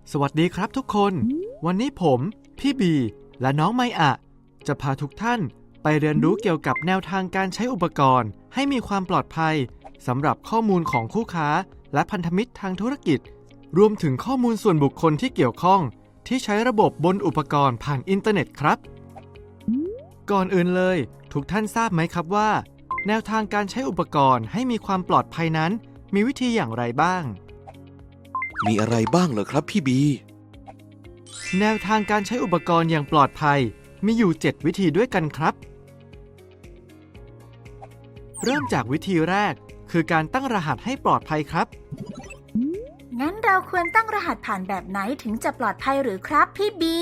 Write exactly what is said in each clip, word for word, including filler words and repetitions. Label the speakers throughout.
Speaker 1: สวัสดีครับทุกคนวันนี้ผมพี่บีและน้องไมอะจะพาทุกท่านไปเรียนรู้เกี่ยวกับแนวทางการใช้อุปกรณ์ให้มีความปลอดภัยสำหรับข้อมูลของคู่ค้าและพันธมิตรทางธุรกิจรวมถึงข้อมูลส่วนบุคคลที่เกี่ยวข้องที่ใช้ระบบบนอุปกรณ์ผ่านอินเทอร์เน็ตครับก่อนอื่นเลยทุกท่านทราบไหมครับว่าแนวทางการใช้อุปกรณ์ให้มีความปลอดภัยนั้นมีวิธีอย่างไรบ้าง
Speaker 2: มีอะไรบ้างเหรอครับพี่บี
Speaker 1: แนวทางการใช้อุปกรณ์อย่างปลอดภัยมีอยู่เจ็ดวิธีด้วยกันครับเริ่มจากวิธีแรกคือการตั้งรหัสให้ปลอดภัยครับ
Speaker 3: งั้นเราควรตั้งรหัสผ่านแบบไหนถึงจะปลอดภัยหรือครับพี่บี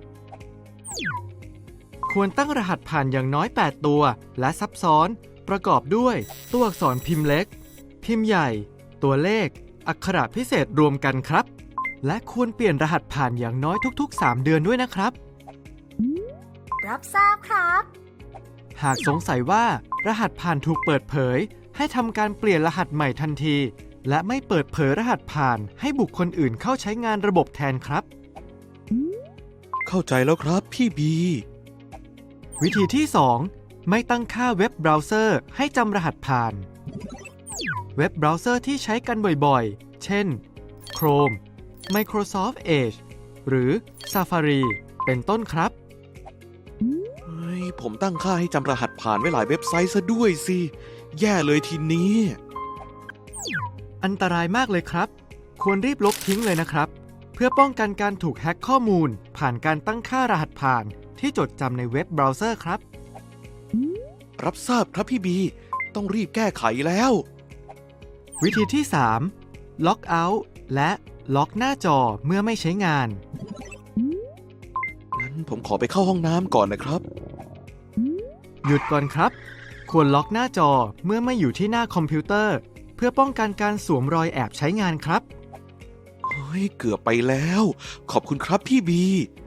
Speaker 1: ควรตั้งรหัสผ่านอย่างน้อยแปดตัวและซับซ้อนประกอบด้วยตัวอักษรพิมพ์เล็กพิมพ์ใหญ่ตัวเลขอักขระพิเศษรวมกันครับและควรเปลี่ยนรหัสผ่านอย่างน้อยทุกๆสามเดือนด้วยนะครับ
Speaker 3: รับทราบครับ
Speaker 1: หากสงสัยว่ารหัสผ่านถูกเปิดเผยให้ทำการเปลี่ยนรหัสใหม่ทันทีและไม่เปิดเผยรหัสผ่านให้บุคคลอื่นเข้าใช้งานระบบแทนครับ
Speaker 2: เข้าใจแล้วครับพี่บี
Speaker 1: วิธีที่สองไม่ตั้งค่าเว็บเบราว์เซอร์ให้จำรหัสผ่านเว็บเบราว์เซอร์ที่ใช้กันบ่อยๆเช่น Chrome Microsoft Edge หรือ Safari เป็นต้นครับ
Speaker 2: เฮ้ยผมตั้งค่าให้จำรหัสผ่านไว้หลายเว็บไซต์ซะด้วยสิแย่เลยทีนี้
Speaker 1: อันตรายมากเลยครับควรรีบลบทิ้งเลยนะครับเพื่อป้องกันการถูกแฮ็กข้อมูลผ่านการตั้งค่ารหัสผ่านที่จดจำในเว็บเบราว์เซอร์ครับ
Speaker 2: รับทราบครับพี่บีต้องรีบแก้ไขแล้ว
Speaker 1: วิธีที่สามล็อกเอาท์และล็อกหน้าจอเมื่อไม่ใช้งาน
Speaker 2: งั้นผมขอไปเข้าห้องน้ำก่อนนะครับ
Speaker 1: หยุดก่อนครับควรล็อกหน้าจอเมื่อไม่อยู่ที่หน้าคอมพิวเตอร์เพื่อป้องกันการสวมรอยแอบใช้งานครับ
Speaker 2: เฮ้ยเกือบไปแล้วขอบคุณครับพี่บี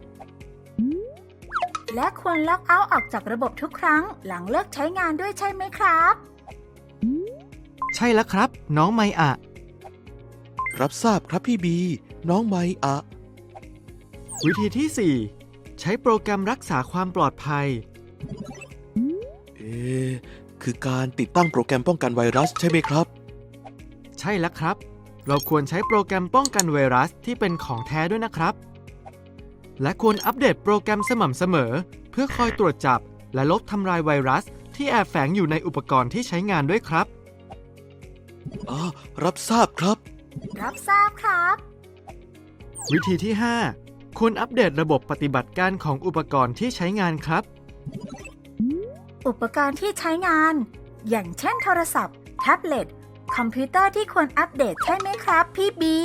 Speaker 3: และควรล็อกเอาท์ออกจากระบบทุกครั้งหลังเลิกใช้งานด้วยใช่ไหมครับ
Speaker 1: ใช่แล้วครับน้องไมอะ
Speaker 2: รับทราบครับพี่บีน้องไมอะ
Speaker 1: วิธีที่สี่ใช้โปรแกรมรักษาความปลอดภัย
Speaker 2: เอ๊ะคือการติดตั้งโปรแกรมป้องกันไวรัสใช่ไหมครับ
Speaker 1: ใช่แล้วครับเราควรใช้โปรแกรมป้องกันไวรัสที่เป็นของแท้ด้วยนะครับและควรอัปเดตโปรแกรมสม่ำเสมอเพื่อคอยตรวจจับและลบทำลายไวรัสที่แอบแฝงอยู่ในอุปกรณ์ที่ใช้งานด้วยครับ
Speaker 2: อ๋อรับทราบครับ
Speaker 3: รับทราบครับ
Speaker 1: วิธีที่ห้าควรอัปเดตระบบปฏิบัติการของอุปกรณ์ที่ใช้งานครับ
Speaker 3: อุปกรณ์ที่ใช้งานอย่างเช่นโทรศัพท์แท็บเล็ตคอมพิวเตอร์ที่ควรอัปเดตใช่ไหมครับพี่บี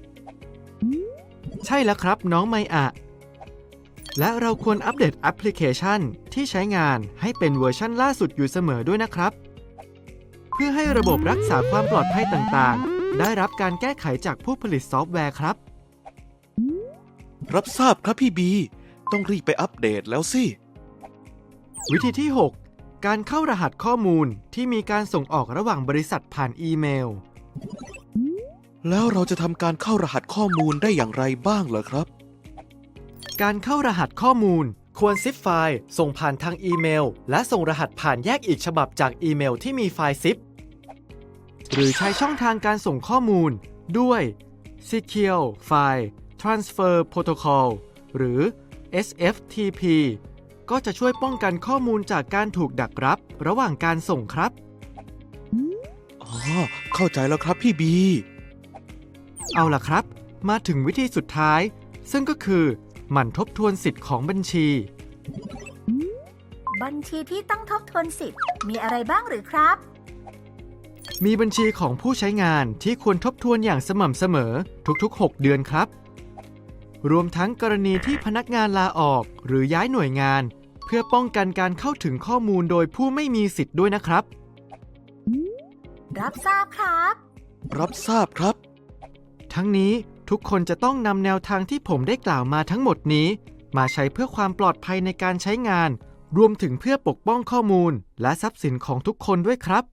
Speaker 1: ใช่แล้วครับน้องไมอะและเราควรอัปเดตแอปพลิเคชันที่ใช้งานให้เป็นเวอร์ชันล่าสุดอยู่เสมอด้วยนะครับเพื่อให้ระบบรักษาความปลอดภัยต่างๆได้รับการแก้ไขจากผู้ผลิตซอฟต์แวร์ครับ
Speaker 2: รับทราบครับพี่บีต้องรีบไปอัปเดตแล้วสิ
Speaker 1: วิธีที่หกการเข้ารหัสข้อมูลที่มีการส่งออกระหว่างบริษัทผ่านอีเมล
Speaker 2: แล้วเราจะทำการเข้ารหัสข้อมูลได้อย่างไรบ้างเหรอครับ
Speaker 1: การเข้ารหัสข้อมูลควรซิปไฟล์ส่งผ่านทางอีเมลและส่งรหัสผ่านแยกอีกฉบับจากอีเมลที่มีไฟล์ซิปหรือใช้ช่องทางการส่งข้อมูลด้วย Secure File Transfer Protocol หรือ เอส เอฟ ที พี ก็จะช่วยป้องกันข้อมูลจากการถูกดักรับระหว่างการส่งครับ
Speaker 2: อ๋อเข้าใจแล้วครับพี่บี
Speaker 1: เอาล่ะครับมาถึงวิธีสุดท้ายซึ่งก็คือหมั่นทบทวนสิทธิ์ของบัญชี
Speaker 3: บัญชีที่ต้องทบทวนสิทธิ์มีอะไรบ้างหรือครับ
Speaker 1: มีบัญชีของผู้ใช้งานที่ควรทบทวนอย่างสม่ำเสมอทุกๆหกเดือนครับรวมทั้งกรณีที่พนักงานลาออกหรือย้ายหน่วยงานเพื่อป้องกันการเข้าถึงข้อมูลโดยผู้ไม่มีสิทธิ์ด้วยนะครับ
Speaker 3: รับทราบครับ
Speaker 2: รับทราบครับ
Speaker 1: ทั้งนี้ทุกคนจะต้องนำแนวทางที่ผมได้กล่าวมาทั้งหมดนี้มาใช้เพื่อความปลอดภัยในการใช้งานรวมถึงเพื่อปกป้องข้อมูลและทรัพย์สินของทุกคนด้วยครับ